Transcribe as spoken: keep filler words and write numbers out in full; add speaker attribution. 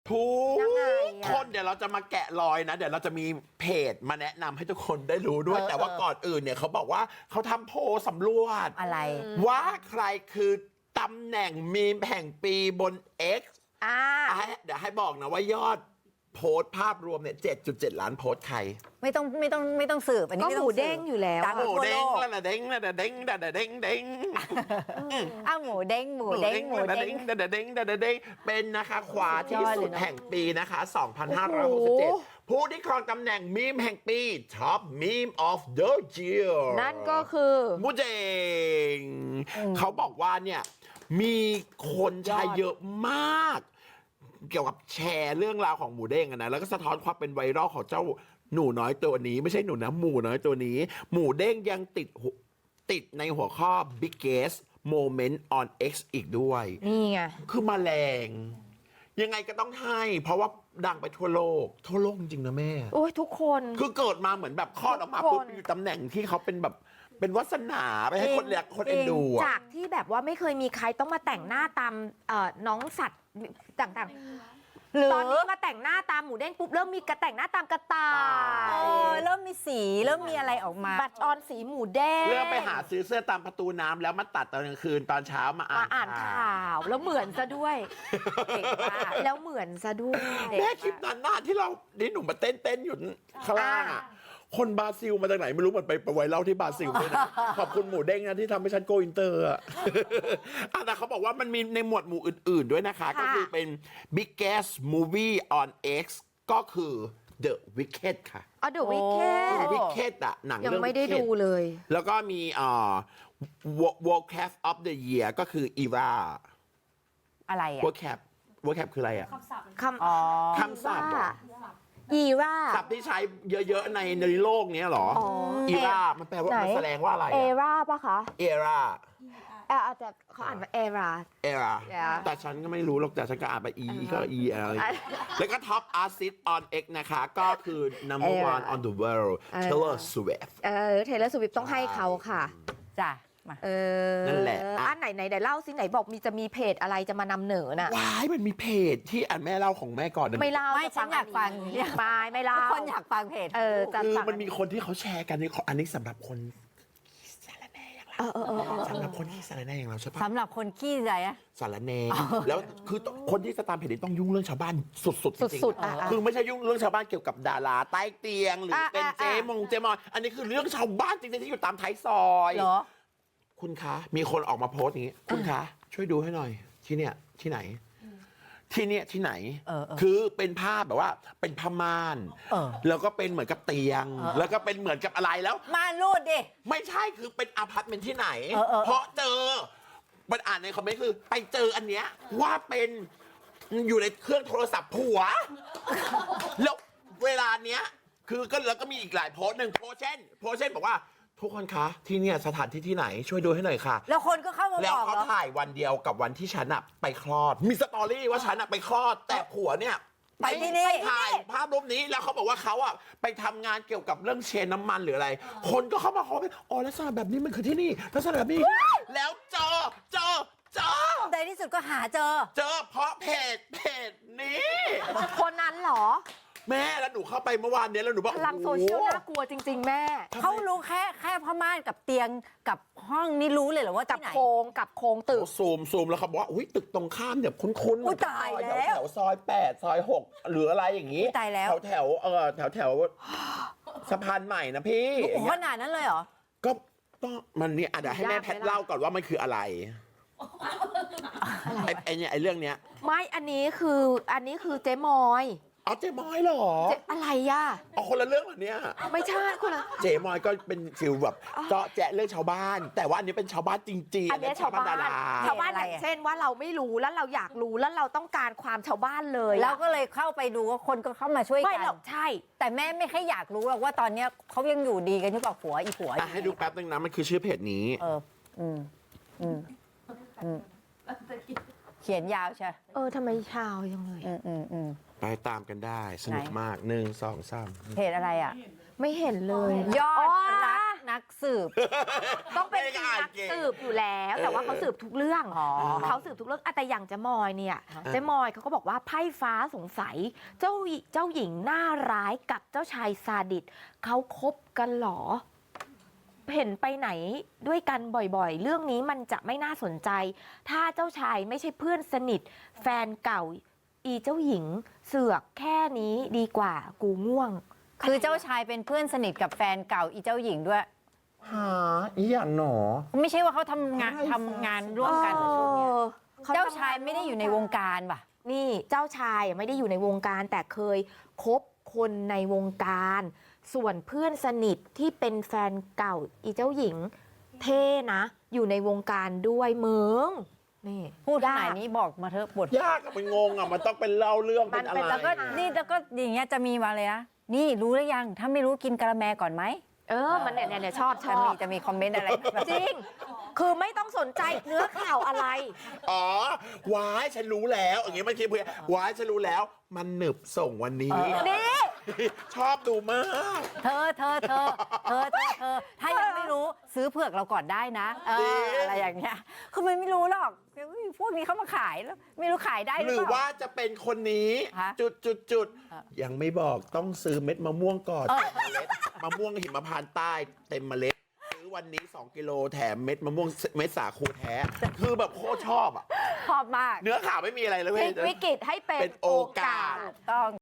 Speaker 1: ทุก
Speaker 2: ยังไงอะ
Speaker 1: คนเดี๋ยวเราจะมาแกะรอยนะ เดี๋ยวเราจะมีเพจมาแนะนำให้ทุกคนได้รู้ด้วย
Speaker 3: เออ
Speaker 1: แต่ว่า
Speaker 3: เออ
Speaker 1: ก่อนอื่นเนี่ยเขาบอกว่าเขาทำโพลสำรวจ
Speaker 3: อะไร
Speaker 1: ว่าใครคือตำแหน่งมีมแห่งปีบน X
Speaker 2: อ่า
Speaker 1: อ่ะให้เดี๋ยวให้บอกนะว่ายอดโพสต์ภาพรวมเนี่ย เจ็ดจุดเจ็ด ล้านโพสต์ใคร
Speaker 3: ไม่ต้องไม่ต้องไม่ต้องสืบอันนี้
Speaker 2: ก็
Speaker 3: ไม่
Speaker 2: ห
Speaker 3: ต้อ
Speaker 2: มู
Speaker 3: งสืบ
Speaker 2: เด้งอยู่แล้ว
Speaker 3: ดัง
Speaker 1: หมู
Speaker 3: ทั่ว
Speaker 1: เด้
Speaker 3: โล
Speaker 1: ง
Speaker 3: ก
Speaker 1: ละเด้งละเด้งละเด้งเด้ง
Speaker 3: อ้าวหมูเด้งหมูเด้งหมู
Speaker 1: ละ
Speaker 3: เด้
Speaker 1: เด้
Speaker 3: ง
Speaker 1: งละเด้งละเด้งเป็นนะคะขวาที่
Speaker 3: ยอด
Speaker 1: สุ
Speaker 3: เล
Speaker 1: ด
Speaker 3: ยเนอะ
Speaker 1: แห่งปีนะคะ สองพันห้าร้อยหกสิบเจ็ด ผู้ที่ครองตำแหน่งมีมแห่งปี Top Meme of the Year
Speaker 2: นั่นก็คือ
Speaker 1: มูเจงเขาบอกว่าเนี่ยมีคนแชร์เยอะมาก เกี่ยวกับแชร์เรื่องราวของหมูเด้งอะนะแล้วก็สะท้อนความเป็นไวรัลของเจ้าหนูน้อยตัวนี้ ไม่ใช่หนูนะหมูน้อยตัวนี้ หมูเด้งยังติดหัวติดในหัวข้อ biggest moment on X อีกด้วย
Speaker 2: นี่ไง
Speaker 1: คือมาแรง ยังไงก็ต้องให้ เพราะว่าดังไปทั่วโลก ทั่วโลกจริงๆนะแม่
Speaker 2: โอ้ยทุกคน
Speaker 1: คือเกิดมาเหมือนแบบคลอดออกมาปุ๊บ
Speaker 2: ทุกคน
Speaker 1: อยู่ตำแหน่งที่เขาเป็นแบบเป็นวาสนาไปให้คนเรียกคนเอ็นดูอะ
Speaker 2: จากที่แบบว่าไม่เคยมีใครต้องมาแต่งหน้าตามเอ่อน้องสัตว์ต่างๆ
Speaker 3: หรือ
Speaker 2: ตอนนี้มาแต่งหน้าตามหมูเด้งปุ๊บเริ่มมีกระแต่งหน้าตามกระต่า
Speaker 3: เอย อเริ่มมีสีเริ่มมีอะไรออกมา
Speaker 2: บัตรออนสีหมูเด้ง
Speaker 1: เริ่มไปหาซื้อเสื้อตามประตูน้ำแล้วมาตัดตอนกลางคืนตอนเช้ามาอ่า
Speaker 2: มาอ่าน
Speaker 1: น
Speaker 2: ข่าวแล้วเหมือนซะด้วย
Speaker 3: เก่งมาก
Speaker 2: แล้วเหมือนซะด้วย
Speaker 1: แม่คลิปนั้นน่ะที่เรานี่หนูมาเต้นเต้นๆอยู่ข้างล่างอ่ะ คนบราซิลมาจากไหนไม่รู้เหมือนไปไปไวรัลที่บราซิลด้วยนะ ขอบคุณหมูเด้งนะที่ทำให้ฉันโกอินเตอร์อ่ะ อ่ะแต่เขาบอกว่ามันมีในหมวดหมู่อื่นๆด้วยนะคะ ก็คือเป็น biggest movie on X ก็คือ The Wicked ค่ะ
Speaker 2: อ๋อเดอะวิกเก
Speaker 1: The
Speaker 2: ต
Speaker 1: Wicked อ่ะหนัง
Speaker 2: ยัง
Speaker 1: เรื่อง
Speaker 2: ไม่ได้
Speaker 1: Wicked
Speaker 2: ดูเลย
Speaker 1: แล้วก็มีเอ่อ World Cap of the Year ก็คือ Eva
Speaker 3: อะไรอ่ะ
Speaker 1: World Cap World Cap คืออะไรอ่ะ
Speaker 2: คำ
Speaker 3: อ๋อ
Speaker 1: คำศัพท์เหรอ
Speaker 2: อีว่า
Speaker 1: ศัพท์ที่ใช้เยอะๆในในโลกเนี้ยเหรอ
Speaker 2: อ๋อ
Speaker 1: อีรามันแปลว่า
Speaker 2: ไหน
Speaker 1: มันแสดงว่าอะไร
Speaker 2: เอ
Speaker 1: อะ
Speaker 2: ราปะคะ
Speaker 1: เอรา
Speaker 2: เอออาจจะเขาอ่านว่าเอรา
Speaker 1: เอรา
Speaker 2: Yeah
Speaker 1: แต่ฉันก็ไม่รู้หรอกแต่ฉันก็อ่านไป E ก็ E L แล้วก็ Top Artist on X นะคะ ก็คือ number
Speaker 2: Era
Speaker 1: one on the world
Speaker 2: เออ
Speaker 1: Taylor Swift
Speaker 2: เออเทเลอร์สวิฟต้องให้เขาค่ะ
Speaker 3: จ้ะมา
Speaker 2: เออ
Speaker 1: นั่นแหละอ่ะ
Speaker 2: อ่ะไหนไหนเดี๋ยวเล่าสิไหนบอกมีจะมีเพจอะไรจะมานำเหนอน่ะ
Speaker 1: ว้ายมันมีเพจที่อ่านแม่เล่าของแม่ก่อนนะ
Speaker 2: ไม่เล่า
Speaker 3: ไม่
Speaker 2: จะ
Speaker 3: ฉันอยากฟัง
Speaker 2: เรียกไม่ไม่เล่า
Speaker 3: ทุกคนอยากฟังเพจ
Speaker 2: เออจะ
Speaker 1: คือ
Speaker 2: ฟัง
Speaker 1: มันมีคนที่เขาแชร์กันนี่อันนี้สำหรับคนสารแหน่อย่างเรา
Speaker 2: เออเออเออเออ
Speaker 1: สำหรับคนที่สารแหน่อย่างเราใช่ปะ
Speaker 3: สำหรับคนขี้ใจอะ
Speaker 1: สารแหน่แล้วคือคนที่จะตามเพจนี้ต้องยุ่งเรื่องชาวบ้านสุดๆจริงๆ
Speaker 2: สุดๆอ่ะอ่ะ
Speaker 1: คือไม่ใช่ยุ่งเรื่องชาวบ้านเกี่ยวกับดาราใต้เตียง หรืออะ เป็น
Speaker 2: อ่ะ
Speaker 1: เจ
Speaker 2: อ่ะ
Speaker 1: มงเจมอยอันนี้คือเรื่องชาวบ้านจริงๆที่อยู่ตามท้ายซอย
Speaker 3: เหรอ
Speaker 1: คุณคะ มีคนออกมาโพสต์อย่างนี้ คุณคะ ช่วยดูให้หน่อย ที่เนี่ยที่ไหน ที่เนี่ยที่ไหน
Speaker 3: เออเออ
Speaker 1: คือเป็นภาพแบบว่าเป็นผ้าม่าน
Speaker 3: เออ
Speaker 1: แล้วก็เป็นเหมือนกับเตียง
Speaker 3: เออ
Speaker 1: แล้วก็เป็นเหมือนกับอะไรแล้ว
Speaker 3: มารูดดิ
Speaker 1: ไม่ใช่คือเป็นอพาร์ตเมนต์ที่ไหน
Speaker 3: เออเออ
Speaker 1: เพราะเจอมันอ่านในคอมเมนต์คือ ไปเจออันเนี้ยว่าเป็นอยู่ในเครื่องโทรศัพท์ผัว แล้วเวลาเนี้ยคือก็แล้วก็มีอีกหลายโพสต์หนึ่งโพสต์เช่น โพสต์เช่นบอกว่า ทุกคนคะ ที่เนี่ยสถานที่ที่ไหนช่วยดูให้หน่อยค่ะ
Speaker 3: แล้วคนก็เข้ามา
Speaker 1: แล้ว
Speaker 3: บอก
Speaker 1: เขา
Speaker 3: เหรอ
Speaker 1: ถ่ายวันเดียวกับวันที่ฉันอะไปคลอด มีสตอรี่ว่าฉันอะไปคลอด แต่ผัวเนี่ย
Speaker 3: ไปที่นี่
Speaker 1: ถ่ายภาพรูปนี้แล้วเขาบอกว่าเขาอะไปทำงานเกี่ยวกับเรื่องเชนน้ำมันหรืออะไร คนก็เข้ามาคอมเมนต์อ๋อลักษณะแบบนี้มันคือที่นี่ลักษณะแบบนี้ แล้วเจอเจอเจอ
Speaker 3: ในที่สุดก็หาเจอ
Speaker 1: เจอเพราะเพจเพจนี้
Speaker 2: คนนั้นเหรอ
Speaker 1: แม่แล้วหนูเข้าไปเมื่อวานเนี้ยแล้วหนูบอก
Speaker 2: พลังโซเชียลน่ากลัวจริง ๆ แม่
Speaker 3: เขารู้แค่แค่ผ้าม่านกับเตียงกับห้องนี่รู้เลยเหรอว่า
Speaker 2: กับ
Speaker 3: ที่ไหน
Speaker 2: โครงกับโครงตึก
Speaker 1: โอ้ซูมซูมแล้วเขาบอกว่าอุ้ยตึกตรงข้ามเนี่ยคุ้นๆ
Speaker 3: อุ๊ยตายแล้ว
Speaker 1: แถวซอยแปดซอยหกหรืออะไรอย่างงี้
Speaker 3: อุ๊ยตายแล้ว
Speaker 1: แถวแถวเออแถวแถวสะพานใหม่นะพี่
Speaker 3: โอ้โหขนาดนั้นเลยเหรอ
Speaker 1: ก็ต้องมันเนี่ยอ่ะเดี๋ยวให้แม่
Speaker 2: ยากไหม
Speaker 1: แพท
Speaker 2: ล่ะ
Speaker 1: เล่าก่อนว่ามันคืออะไรไอ้ไอ้เนี่ยไอ้เรื่องเนี้ย
Speaker 2: ไม่อันนี้คืออันนี้คือเจ๊มอย
Speaker 1: เอาเจมอยเหรอ
Speaker 2: เจ๊อะไรย่ะ
Speaker 1: เอาคนละเรื่องเหรอเนี่ย
Speaker 2: ไม่ใช่คนละ
Speaker 1: เจมอยก็เป็นฟิลแบบเจาะแจ๊ะเรื่องชาวบ้าน แต่ว่าอันนี้เป็นชาวบ้านจริงๆ
Speaker 2: อันเนี้ยชาวบ้าน
Speaker 1: ดารา
Speaker 2: ชาวบ้าน
Speaker 3: อะไร
Speaker 2: อย่าง
Speaker 3: อะ
Speaker 2: เช่นว่าเราไม่รู้แล้วเราอยากรู้แล้วเราต้องการความชาวบ้านเลยอะ
Speaker 3: แล้วก็เลยเข้าไปดูว่าคนก็เข้ามาช่วย
Speaker 2: ไม่
Speaker 3: กัน
Speaker 2: หรอกใช่
Speaker 3: แต่แม่ไม่แค่อยากรู้หรอกว่าตอนเนี้ยเขายังอยู่ดีกันหรือเปล่าผัวอีผัว
Speaker 1: อ่ะให้ดูแป๊บนึงนะมันคือชื่อเพจนี้
Speaker 3: เอออืมอืมอืมเขียนยาวใช่
Speaker 2: เออทำไมชาวยังเลย
Speaker 3: อืมอืมอืม
Speaker 1: ไปตามกันได้สนุก
Speaker 3: ไหน
Speaker 1: มากหนึ่งสองสาม
Speaker 3: เพจอะไรอ่ะ
Speaker 2: ไม่เห็นเลย
Speaker 3: ยอด
Speaker 2: อ๋อ
Speaker 3: รักนัก
Speaker 4: กสืบ
Speaker 2: ต้องเป็น
Speaker 1: ไม่ได้
Speaker 2: นั
Speaker 1: อ่าน
Speaker 2: ก
Speaker 1: เก่ง
Speaker 2: สืบอยู่แล้ว แต่ว่าเขาสืบทุกเรื่อง
Speaker 4: อ๋อ
Speaker 2: เขาสืบทุกเรื่องอะแต่อย่างเจ๊มอยเนี่ยเจ๊มอยเขาก็บอกว่าไพ่ฟ้าสงสัย เจ้าหญิเจ้าหญิงหน้าร้ายกับเจ้าชายซาดิสเขาคบกันเหรอ เห็นไปไหนด้วยกันบ่อยๆ เรื่องนี้มันจะไม่น่าสนใจ ถ้าเจ้าชายไม่ใช่เพื่อนสนิท แฟนเก่า อีเจ้าหญิงเสือกแค่นี้ดีกว่ากูง่วง
Speaker 4: คือเจ้าชายเป็นเพื่อนสนิทกับแฟนเก่าอีเจ้าหญิงด้วย
Speaker 1: หาอีอย่างหนอ
Speaker 4: ไม่ใช่ว่าเขาทำงานทำงานร่วมกันเหรอช่วงเนี้ย
Speaker 2: เออ
Speaker 4: เจ้าชายไม่ได้อยู่ในวงการป่ะ
Speaker 2: นี่เจ้าชายไม่ได้อยู่ในวงการแต่เคยคบคนในวงการ ส่วนเพื่อนสนิทที่เป็นแฟนเก่าอีเจ้าหญิง เท่นะ อยู่ในวงการด้วยเมืองนี่
Speaker 4: พูดข
Speaker 2: ย
Speaker 4: นาดนี้บอกมาเถอะบท
Speaker 1: ยากอะมันงงอะมันต้องเป็นเล่าเรื่องเป็นอะไร
Speaker 4: แล้วก็นี่แล้วก็อย่างเงี้ยจะมีมาเลยนะ นี่รู้หรือยัง ถ้าไม่รู้กินกะละแมก่อนไหม
Speaker 2: เออมันเนี่ยเนี่ยชอบช
Speaker 4: จะ
Speaker 2: อ
Speaker 4: มี
Speaker 2: บ
Speaker 4: จะมีคอมเมนต์อะไรแบบ
Speaker 2: จริง คือไม่ต้องสนใจเนื้อข่าวอะไร
Speaker 1: อ๋อวายฉันรู้แล้วอย่างงี้มันคิดเพื่อวายฉันรู้แล้ว มันหนึบส่งวันนี้
Speaker 2: นี่
Speaker 1: ชอบดูมาก
Speaker 4: เธอเธอเธอเธอเธอเธอถ้ายังไม่รู้ซื้อเผือกเราก่อนได้นะเอออะไรอย่างเงี้ยคือมันไม่รู้หรอกพวกนี้เขามาขายแล้วไม่รู้ขายได้ห
Speaker 1: ห
Speaker 4: รื
Speaker 1: รือ อ
Speaker 4: เปล่า
Speaker 1: ว่าจะเป็นคนนี้
Speaker 4: ฮะ
Speaker 1: จุดจุดจุด
Speaker 4: เออ
Speaker 1: ยังไม่บอกต้องซื้อเม็ดมะม่วงก่อน
Speaker 4: เออ
Speaker 1: เมล็ดมะม่วงหิมพานต์ใต้เต็มเมล็ดซื้อวันนี้ สอง กิโลแถมเม็ดมะม่วงเม็ดสาคูแท้ คือแบบโคตรชอบอ่ะ
Speaker 4: ชอบมาก
Speaker 1: เนื้อข่าวไม่มีอะไรเลย
Speaker 2: พ
Speaker 1: เว้
Speaker 2: ลิ
Speaker 1: ย
Speaker 2: กวิกฤตให้เป็น
Speaker 1: เป็นโอกาส
Speaker 2: โอกาส
Speaker 4: ถูกต้อง